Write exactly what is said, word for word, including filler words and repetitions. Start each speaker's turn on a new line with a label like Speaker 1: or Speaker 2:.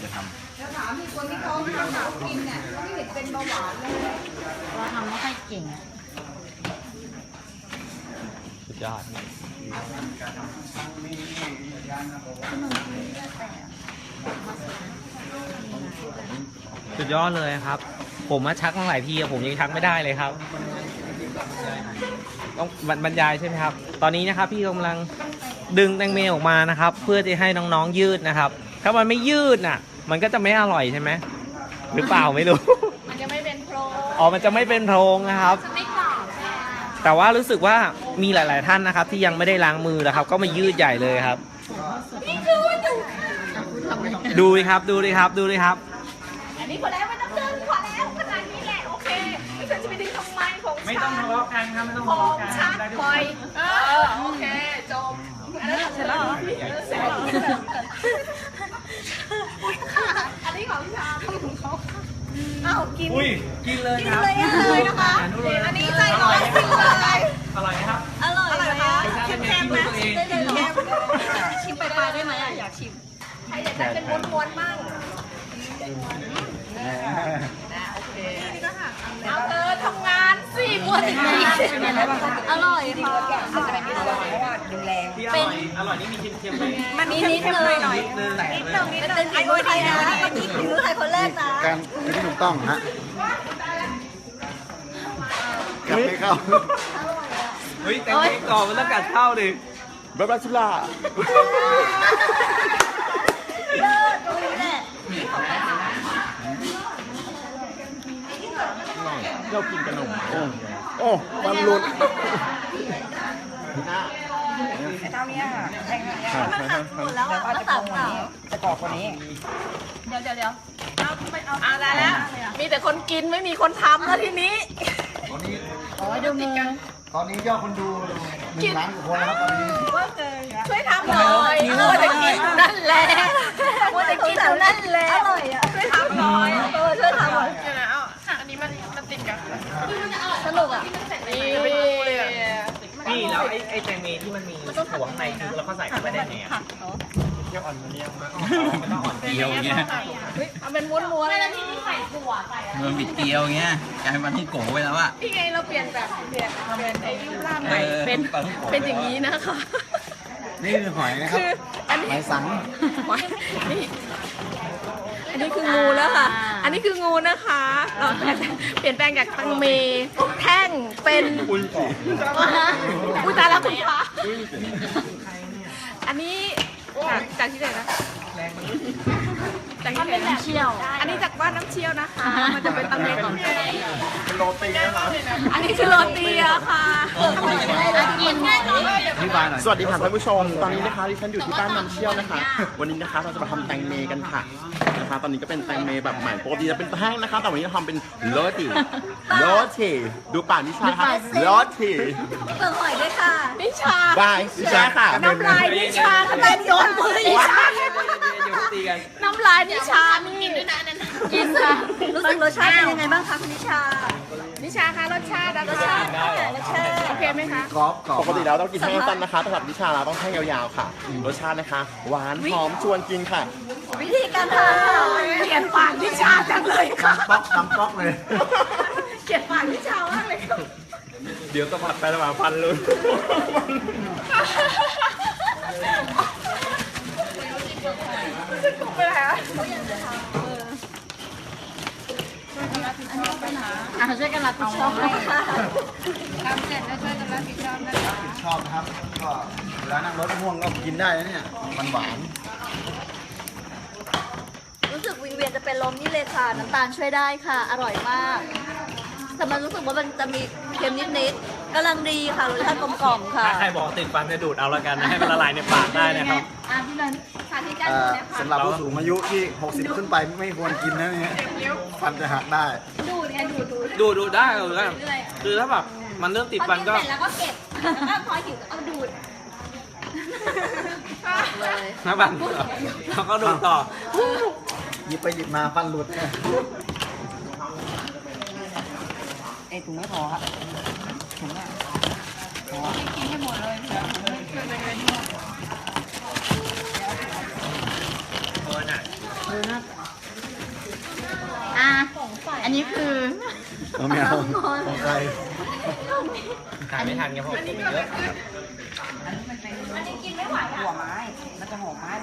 Speaker 1: ทำ
Speaker 2: แล้วถามมีคนที่เขาไม่ทำหนาวกินเนี่ยเขาไม่เห็นเป็นเบาหวานเลยเราทำไม่ค่อยเก่งอ่ะ
Speaker 1: สุดยอดสุดยอดเลยครับผมมาชักมาหลายทีผมยังชักไม่ได้เลยครับต้องบรรยายใช่ไหมครับตอนนี้นะครับพี่กำลังดึงแตงเมออกมานะครับเพื่อจะให้น้องๆยืดนะครับถ้ามันไม่ยืดน่ะมันก็จะไม่อร่อยใช่ไหมหรือเปล่าไม่รู้
Speaker 2: มันจะไม่เป็นโพรง
Speaker 1: อ๋อมันจะไม่เป็นโพรงนะครับ
Speaker 2: จะไม่กรอบ
Speaker 1: แต่ว่ารู้สึกว่ามีหลายๆท่านนะครับที่ยังไม่ได้ล้างมือนะครับก็มายืดใหญ่เลยครับดูดิครับดูดิครับดูดิครับ
Speaker 2: อันนี้พอแล้วไม่ต้องเดินพอแล้วขนาดนี้แหละโอเคไม่ควรจะไปดึงทำไมของฉัน
Speaker 1: ไม่ต้องทะเลาะกันครับไม่ต้องทะเลาะกัน
Speaker 2: ชัดปล่อยเออโอเคจบอันนั้นเสร็จแล้วเหรอเสร็จแล้วอันนี้ของพี่ชาของเขาอ้าวกิน
Speaker 1: อุ้ยกินเลยค
Speaker 2: รับกินเลยนะคะอันนี้ใจร้อนกินเลย
Speaker 1: อร่อยครับ
Speaker 2: อร่อยนะคะชิมแคมนะชิมได้เลยแคมชิมไปปลายได้ไหมอ่ะอยากชิมใครอยากได้เป็นม้วนๆมั่งนะโอเคนี่ก็หักเอาเธอทำงานสิม้วนจริงๆอร่อยค่ะอาจจะเป็นพิเศษเพราะว่าดูแล
Speaker 1: เป็นอร่อยนี่มีเค็มๆไหม
Speaker 2: มันนิดนิดเลยหน่อยนิดนึงนิดนึงนิดนึงไอ้คนไทยนะเมื่อกี้คือใครคนแรกนะ
Speaker 3: การที่ถูกต้องฮะกัดไม่เข้า
Speaker 1: เฮ้ยแต่งก่อนมันต้องกัดเข้าดิ
Speaker 3: บาบาชุล่า
Speaker 2: เลิศตรงนี้แหละ
Speaker 3: เรากินขนมโอ้โอ้ฟันหลุด
Speaker 2: ไอ้เท่านี้ค่ะแทงเนี้ยมันหักหมดแล้วอ่ะก็ตัดเปล่า
Speaker 3: จะกรอบกว่านี้
Speaker 2: เดี๋ยวเดี๋ยวเดี๋ยวเอาไปเอาเอาได้แล้วมีแต่คนกินไม่มีคนทำแล้วทีนี้
Speaker 3: ตอนนี้
Speaker 2: อ๋อดูมือ
Speaker 3: ตอนนี้ยอดคนดูหนึ่งล้านกว่าคนแล้วครับตอนนี้
Speaker 2: ช่วยทำหน่อยมัวแต่กินนั่นแหละมัวแต่กินอยู่นั่นแหละอร่อยอ่ะช่วยทำหน่อยเออช่วยทำหน่อยเดี๋ยวนะเอาหักอันนี้มันมันติดกันสนุกอ่ะนี่
Speaker 1: นี่แล้วไอ้ไอ้แตงเมที่มันมีหัวข้างในคือเราก็ใส่เข้าไปได้ไงอ่ะเกี๊ยวอ่อนมันเนี่ยมันต้องอ่อนเกี๊ยวอย่างเงี้ย
Speaker 2: เอาเป็นม้วนๆไม่แล้วที่นี่ใส่ถั่วใส่อะไร
Speaker 4: มันบิดเกี๊ยวเงี้ยกลายเป็นที่โกไปแล้วอะ
Speaker 2: นี่ไงเราเปลี่ยนแบบเปลี่ยนเปลี่ยนไอ้รูปร่างใหม่เป็นเป็นอย่างนี้นะคะ
Speaker 3: นี่คือหอยนะครับหอยสัง
Speaker 2: นี่อันนี้คืองูแล้วค่ะอันนี้คืองูนะคะเราเปลี่ยนแปลงจากตังเมแท่งเป็นอุ้ยอุ้ยตายแล้วคุณพระอันนี้จากจากที่ไหนนะจากที่ไหนน้ำเชี่ยวอันนี้จากบ้านน้ำเชี่ยวนะคะมันจะเป็นตังเมของแท้
Speaker 3: เป็นโรตีนะครับ
Speaker 2: อันนี้คือโรตีอะค่ะกิน
Speaker 3: สวัสดีค่ะท่านผู้ชมตอนนี้นะคะดิฉันอยู่ที่บ้านน้ำเชี่ยวนะคะวันนี้นะคะเราจะมาทำแตงเมกันค่ะนะคะตอนนี้ก็เป็นแตงเมแบบใหม่ปกติจะเป็นแท่งนะคะแต่วันนี้เราทำเป็นโรตีโรตีดูป่านนิชาค่ะโรตี
Speaker 2: เปิดหอยด้วยค่ะนิชา
Speaker 3: บายนิชาค่ะ
Speaker 2: น้ำลายนิชาทำไมโยนมือนิชาน้ำลายนิชามีกินด้วยนะนั่นกินค่ะรู้สึกรสชาติเป็นยังไงบ้างคะคุณนิชานิชาคะรสชาติรสชาติรสชาติโอเคไหมคะ
Speaker 3: กรอบปกติแล้วต้องกินแท่งสั้นนะคะแต่สำหรับนิชาเราต้องแท่งยาวๆค่ะรสชาตินะคะหวานหอมชวนกินค่ะ
Speaker 2: วิธีการทำเกลียดปากนิชาจังเลยค่ะ
Speaker 3: ป๊อกน้ำป๊อกเลย
Speaker 2: เกลียดปากนิชามากเลย
Speaker 1: เดี๋ยวต้องผัดไประหว่างฟันเลย
Speaker 2: จะกบไปไหนอ่ะอ่ะช่วยกันรับผิดชอบค่ะทำเสร็จแล้วช่วยกันรับผิดชอบนะคะ
Speaker 3: ชอบนะครับก็เวลานั่งรถม่วงก็กินได้นะเนี่ยมันหวาน
Speaker 2: รู้สึกวิงเวียนจะเป็นลมนี่เลยค่ะน้ำตาลช่วยได้ค่ะอร่อยมากแต่มันรู้สึกว่ามันจะมีเค็มนิดๆกำลังดีค่ะรสชาติกลมกล่อมค่ะ
Speaker 1: ใครบอกติดฟันจะดูดเอาละกันนะให้มันละลายในปากได้นะครับ
Speaker 2: อ่ะพี่นันสาธิตการดูนะคะ
Speaker 3: สำหรับผู้สูงอายุที่หกสิบขึ้นไปไม่ควรกินนะเนี่ยฟันจะหักได้
Speaker 2: ดูดไงดูด
Speaker 1: ดูดูได้เลยก็คือถ้าแบบมันเริ่มติดฟันก็
Speaker 2: เสร็จแล้วก็เก็บแล้วก็พอหิวก็เอาดูด
Speaker 1: เลยนะบันเขาก็ดูต่อ
Speaker 3: หยิบไปหยิบมาฟันหลุดเนี่ย
Speaker 4: ไอถุงไม่พอครับถุงอ่ะพอกินให้หมดเลย
Speaker 1: เออน่ะ
Speaker 4: เออน่ะนนี้คือ
Speaker 3: เอาไม่เอาของใคร
Speaker 1: ขายไม่ทันไงเพราะคนมันเยอะ
Speaker 4: หัวไม้ มันจะหอมไม้